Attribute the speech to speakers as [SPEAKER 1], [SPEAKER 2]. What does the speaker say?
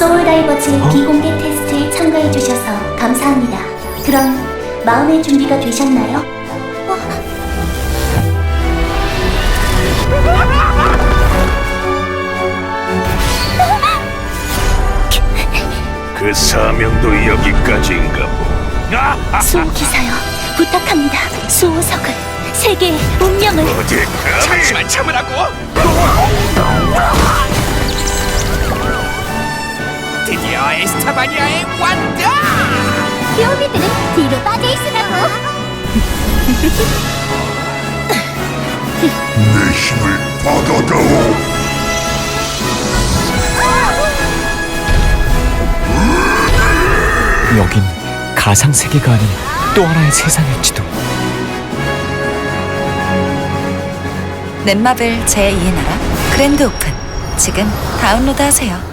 [SPEAKER 1] 소울다이버즈 비공개 테스트에 참가해주셔서 감사합니다. 그럼 마음의 준비가 되셨나요?
[SPEAKER 2] 그 사명도 여기까지인가 보.
[SPEAKER 1] 수호기사여, 부탁합니다. 수호석을, 세계의 운명을.
[SPEAKER 2] 어디 감히?
[SPEAKER 3] 잠시만 참으라고. 드디어 에스타바니아에 왔다.
[SPEAKER 1] 뼈비들은 뒤로 빠져있으라고.
[SPEAKER 2] 내 힘을 받아다오.
[SPEAKER 4] 여긴 가상세계가 아닌 또 하나의 세상일지도.
[SPEAKER 5] 넷마블 제2의 나라 그랜드 오픈 지금 다운로드하세요.